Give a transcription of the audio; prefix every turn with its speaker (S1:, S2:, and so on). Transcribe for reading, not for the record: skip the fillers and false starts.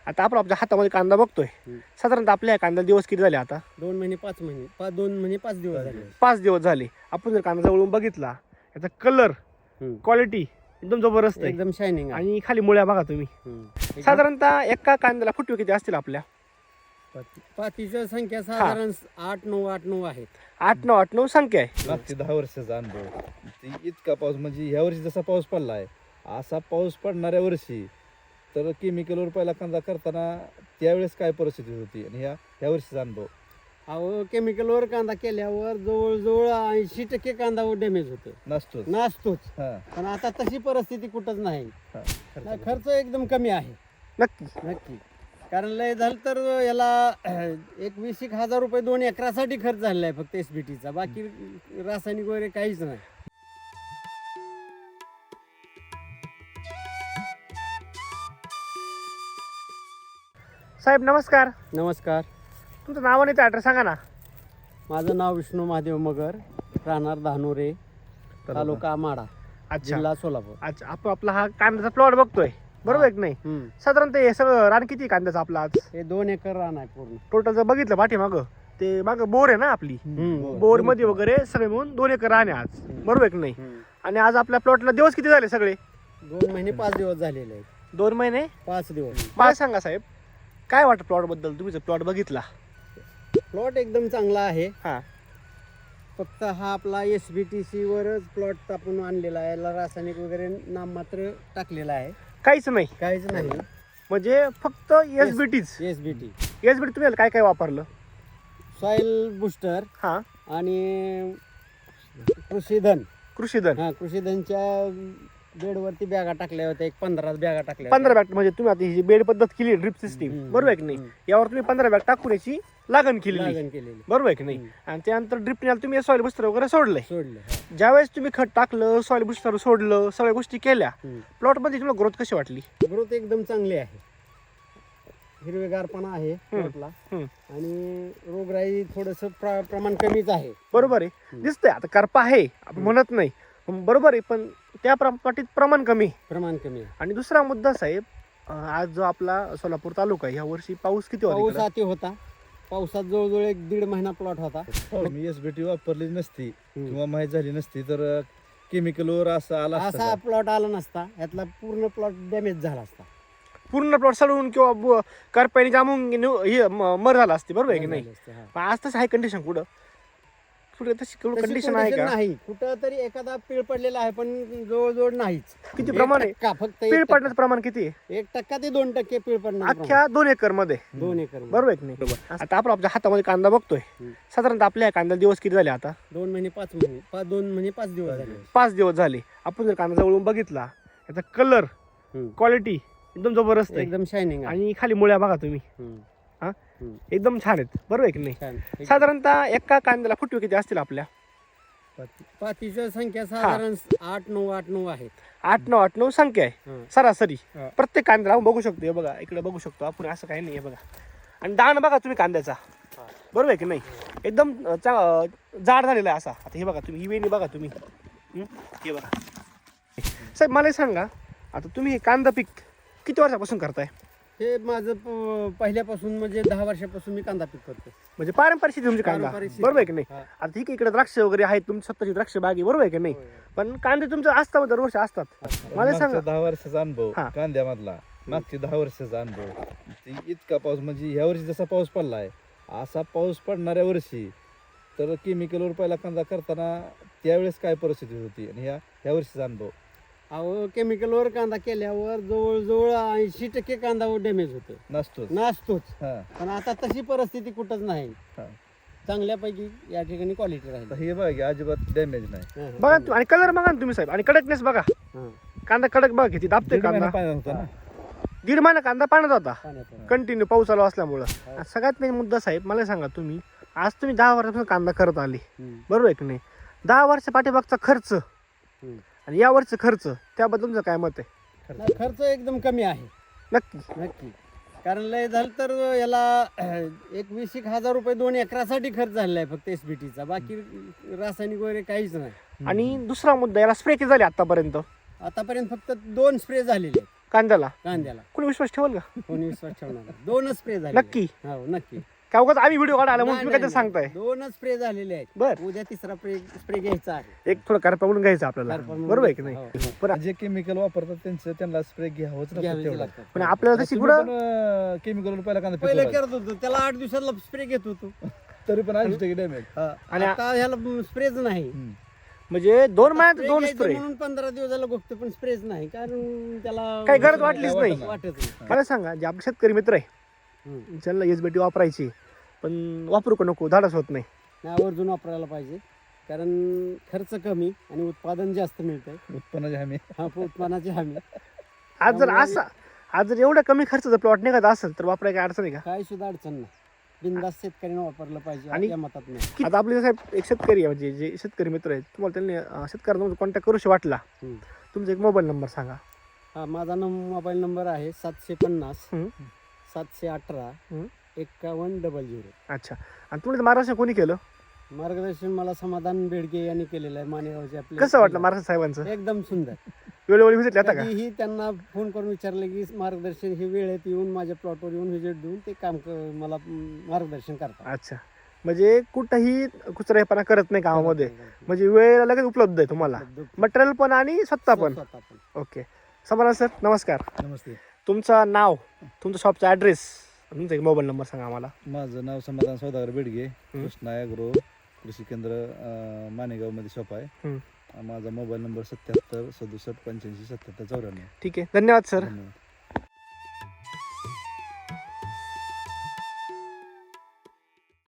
S1: आता आपण आपल्या हातामध्ये कांदा बघतोय. साधारणतः आपल्या कांदा दिवस किती झाले आता?
S2: 2 महिने 5 महिने 2 महिने 5 दिवस झाले.
S1: 5 दिवस झाले. आपण जर कांदा जवळून बघितला, याचा कलर, क्वालिटी एकदम जबरदस्त आहे.
S2: एकदम शायनिंग आहे.
S1: आणि खाली मुळ्या बघा तुम्ही. साधारणतः एका कांद्याला फुटवे किती असतील आपल्या?
S2: पातीची संख्या साधारण 8-9 आहेत.
S1: 8-9 संख्या आहे.
S3: मागचे 10 वर्षाचा अनुभव. इतका पाऊस म्हणजे ह्या वर्षी जसा पाऊस पडला आहे असा पाऊस पडणाऱ्या वर्षी तर केमिकलवर पहिला कांदा करताना त्यावेळेस काय परिस्थिती होती आणि ह्या वर्षीचा अनुभव.
S2: अहो केमिकलवर कांदा केल्यावर जवळजवळ 80% कांदा डॅमेज होतो, नसतोच. पण आता तशी परिस्थिती कुठंच नाही. खर्च एकदम कमी आहे.
S1: नक्की.
S2: कारण लय झालं तर याला 20,000 रुपये 2 एकरासाठी खर्च झालेला आहे फक्त SBTचा. बाकी रासायनिक वगैरे काहीच नाही.
S1: साहेब नमस्कार.
S2: नमस्कार.
S1: तुमचं नाव आणि ॲड्रेस सांगा ना.
S2: माझं नाव विष्णू महादेव मगर, राहणार धानोरे, तालुका माडा,
S1: अच्छा
S2: जिल्हा सोलापूर.
S1: अच्छा, आपण आपला हा कांद्याचा प्लॉट बघतोय बरोबर आहे की नाही? साधारणतः हे सगळं रान किती कांद्याचं आपलं आज?
S2: हे 2 एकर रान आहे पूर्ण.
S1: टोटल जर बघितलं पाठीमागं ते मागं बोर आहे ना आपली, बोर मध्ये वगैरे सगळे मिळून 2 एकर रान आहे आज बरोबर आहे की नाही? आणि आज आपल्या प्लॉटला दिवस किती झाले सगळे?
S2: 2 महिने 5 दिवस झालेले आहेत.
S1: 2 महिने
S2: 5 दिवस.
S1: मला सांगा साहेब, काय वाटतं प्लॉट बद्दल? तुम्ही जर प्लॉट बघितला,
S2: प्लॉट एकदम चांगला आहे.
S1: हा
S2: फक्त हा आपला SBTC वरच प्लॉट आपण आणलेला आहे. याला रासायनिक वगैरे नाममात्र टाकलेला आहे,
S1: काहीच नाही.
S2: काहीच नाही.
S1: म्हणजे फक्त SBTच.
S2: SBT
S1: तुम्ही काय काय वापरलं?
S2: सॉइल बुस्टर
S1: हा
S2: आणि कृषीधन. कृषीधनच्या बेडवरती बॅगा टाकल्या होत्या. 15 बॅगा टाकल्या.
S1: 15 बॅग म्हणजे तुम्ही आता ही जी बेड पद्धत केली, ड्रिप सिस्टीम बरोबर आहे की नाही? यावर तुम्ही 15 बॅग टाकून याची लागण केलेली बरोबर आहे की नाही? आणि त्यानंतर ड्रिपने तुम्ही सॉइल बुस्टर वगैरे सोडलं. ज्यावेळेस तुम्ही खत टाकलं, सॉइल बुस्टर सोडलं, सगळ्या गोष्टी केल्या, प्लॉट मध्ये तुम्हाला ग्रोथ कशी वाटली?
S2: ग्रोथ एकदम चांगली आहे. हिरवेगारपणा आहे प्लॉटला आणि रोगराई थोडस प्रमाण कमीच आहे.
S1: बरोबर आहे, दिसतंय. आता करपा आहे आपण म्हणत नाही, बरोबर आहे, पण त्या पाठीत प्रमाण कमी
S2: आहे.
S1: आणि दुसरा मुद्दा साहेब, आज जो आपला सोलापूर तालुका आहे, ह्या वर्षी पाऊस किती
S2: पाऊस अति होता. पावसात जवळजवळ 1-1.5 महिना प्लॉट होता.
S3: मी SBT वापरली नसती किंवा माहीत झाली नसती तर केमिकलवर
S2: असा प्लॉट आला नसता. यातला पूर्ण प्लॉट डॅमेज झाला असता.
S1: पूर्ण प्लॉट सडून किंवा करपाईने जामून मर झाला असते बरोबर आहे की नाही? पण आज तसं आहे कंडिशन? कुठं तशी कंडिशन आहे का?
S2: नाही. कुठं तरी एखादा पीळ पडलेला आहे, पण जवळजवळ नाहीच.
S1: किती प्रमाण आहे?
S2: फक्त
S1: पीळ पडण्याचं प्रमाण किती आहे?
S2: 1% ते 2% पीळ पडणार
S1: अख्ख्या 2 एकर मध्ये.
S2: 2 एकर
S1: बरोबर आहे की नाही? आता आपण आपल्या हातामध्ये कांदा बघतोय. साधारणतः आपल्या कांदा दिवस किती झाले आता?
S2: 2 महिने 5 महिने 2 महिने 5 दिवस झाले.
S1: 5 दिवस झाले. आपण जर कांदा जवळून बघितला, याचा कलर, क्वालिटी एकदम जबरदस्त आहे.
S2: एकदम शायनिंग आहे.
S1: आणि खाली मुळ्या बघा तुम्ही, एकदम छान आहेत बरोबर आहे की नाही? साधारणतः एका कांद्याला फुटवे किती असतील आपल्या?
S2: पातीची संख्या साधारण 8-9 आहेत.
S1: 8-9 संख्या आहे सरासरी प्रत्येक कांद्याला. आपण बघू शकतो, हे बघा इकडे बघू शकतो आपण, असं काही नाही. बघा आणि दाण बघा तुम्ही कांद्याचा, बरोबर आहे की नाही? एकदम जाड झालेला आहे असा. आता हे बघा तुम्ही, ही वेणी बघा तुम्ही, हे बघा साहेब. मला सांगा, आता तुम्ही हे कांदा पीक किती वर्षापासून करताय?
S2: हे माझं पहिल्यापासून म्हणजे 10 वर्षापासून मी कांदा पीक करतो.
S1: म्हणजे पारंपरिक शेती तुमची कांदा, बरोबर आहे की नाही? आता ठीक आहे, इकडे द्राक्ष वगैरे आहेत, तुमची स्वतःची द्राक्ष बागी बरोबर आहे की नाही? पण कांदे तुमचं असतात दरवर्षी असतात. मला सांगा,
S3: 10 वर्षाचा अनुभव कांद्यामधला. मागचे 10 वर्षाचा अनुभव. इतका पाऊस म्हणजे ह्या वर्षी जसा पाऊस पडला आहे असा पाऊस पडणाऱ्या वर्षी तर केमिकलवर पहिला कांदा करताना त्यावेळेस काय परिस्थिती होती आणि ह्या वर्षीचा अनुभव.
S2: अहो केमिकलवर कांदा केल्यावर जवळजवळ 80% कांदा डॅमेज होतो, नसतोच. पण आता तशी परिस्थिती कुठंच नाही. चांगल्यापैकी या ठिकाणी क्वालिटी राहील.
S3: हे बघा अजिबात डॅमेज नाही.
S1: बघा आणि कलर बघा ना तुम्ही साहेब, आणि कडकनेस बघा. कांदा कडक बघा किती दाबतोय कांदा. 1.5 महिना कांदा पाण्यात होता कंटिन्यू पाऊस चालू असल्यामुळं. सगळ्यात मेन मुद्दा साहेब, मला सांगा, तुम्ही आज 10 वर्षापासून कांदा करत आले बरोबर आहे की नाही? 10 वर्ष पाठीमागचा खर्च आणि या वर्षी खर्च, त्याबद्दल तुमचं काय मत आहे?
S2: खर्च एकदम कमी आहे. नक्की. कारण लय झालं तर याला 20,000 रुपये 2 एकरासाठी खर्च झालेला आहे फक्त SBTचा. बाकी रासायनिक वगैरे काहीच नाही.
S1: आणि दुसरा मुद्दा, याला स्प्रे किती झाले आतापर्यंत?
S2: फक्त 2 स्प्रे झालेले.
S1: कांद्याला
S2: कांद्याला
S1: कोणी विश्वास ठेवल का?
S2: कोणी विश्वास ठेवणार नाही. 2च स्प्रे झाले
S1: नक्की
S2: हो नक्की
S1: का उगाच आम्ही व्हिडिओ काढायला म्हणून
S2: नाही,
S1: तुम्ही
S2: नाही,
S1: काहीतरी सांगताय?
S2: 2च स्प्रे झालेले आहेत
S1: बर
S2: उद्या तिसरा स्प्रे घ्यायचा आहे
S1: एक थोडं करपा म्हणून घ्यायचं आपल्याला,
S2: करपा
S1: बरोबर आहे की
S2: म्हणून
S1: नाही?
S2: हो,
S1: पण
S3: जे केमिकल वापरतात त्यांना स्प्रे घ्यावंच लागतं
S2: घ्यावेच
S3: तेवढं.
S2: लागतात.
S1: पण आपल्याला तशी पुढं
S3: केमिकल पहिला कांदा
S2: पहिले
S3: पिकवला.
S2: करत होतो त्याला 8 दिवसाला स्प्रे घेत होतो
S3: तरी पण 80% डॅमेज.
S1: आणि
S2: आता ह्याला स्प्रेच नाही
S1: म्हणजे 2 महिन्यात
S2: Spray
S1: 2
S2: घ्यायचं
S1: स्प्रे.
S2: म्हणून 15 दिवसाला बघतो पण स्प्रेच नाही कारण त्याला
S1: काही गरज वाटलीच नाही.
S2: वाटत नाही
S1: मला सांगा जे आपले शेतकरी मित्र आहे
S2: हम्म.
S1: ज्यांना एसबीटी वापरायची पण वापरू का नको, धाडस होत नाही.
S2: नाही आवर्जून वापरायला पाहिजे कारण खर्च कमी आणि उत्पादन जास्त मिळतंय
S3: उत्पन्नाची हमी.
S2: उत्पन्नाची हमी
S1: आज जर एवढा कमी खर्चाचा प्लॉट निघत असेल तर वापरायची काय अडचण आहे का?
S2: काय सुद्धा अडचण नाही बिनधास्त शेतकऱ्याने वापरलं पाहिजे
S1: आणि-
S2: या मतात नाही
S1: आता आपले साहेब एक शेतकरी आहे म्हणजे जे शेतकरी मित्र आहेत तुम्हाला त्यांनी शेतकऱ्यांना कॉन्टॅक्ट करूशी वाटला
S2: हम्म.
S1: तुमचा एक मोबाईल नंबर सांगा.
S2: हा माझा मोबाईल नंबर आहे 750
S1: हम्म.
S2: 718
S1: हम्म.
S2: 5100.
S1: अच्छा. आणि तुम्ही महाराष्ट्र कोणी केलं?
S2: मार्गदर्शन मला समाधान बेडके यांनी केलेलं आहे मानेगावचे आपले
S1: कसं वाटलं महाराष्ट्र साहेबांचं?
S2: एकदम सुंदर
S1: वेळोवेळी व्हिजिट येता का?
S2: कधीही त्यांना फोन करून विचारलं की मार्गदर्शन हे वेळेत येऊन माझ्या प्लॉटवर येऊन व्हिजिट देऊन ते काम मला मार्गदर्शन करतात
S1: अच्छा. म्हणजे कुठंही कुचराईपणा करत नाही कामामध्ये, म्हणजे वेळेला लगेच उपलब्ध आहे तुम्हाला मटेरियल पण आणि स्वतः पण.
S2: स्वतः पण.
S1: ओके. समाधान सर नमस्कार.
S3: नमस्ते.
S1: तुमचं नाव, तुमचं शॉपचा ॲड्रेस, तुमचा एक मोबाईल नंबर सांगा आम्हाला.
S3: माझं नाव समाधान सौदागर बेडगे, कृष्णा ॲग्रो कृषी केंद्र मानेगाव मध्ये शॉप आहे. माझा मोबाईल नंबर 77 67 85 77 94.
S1: ठीक आहे, धन्यवाद सर.
S3: धन्यवाद.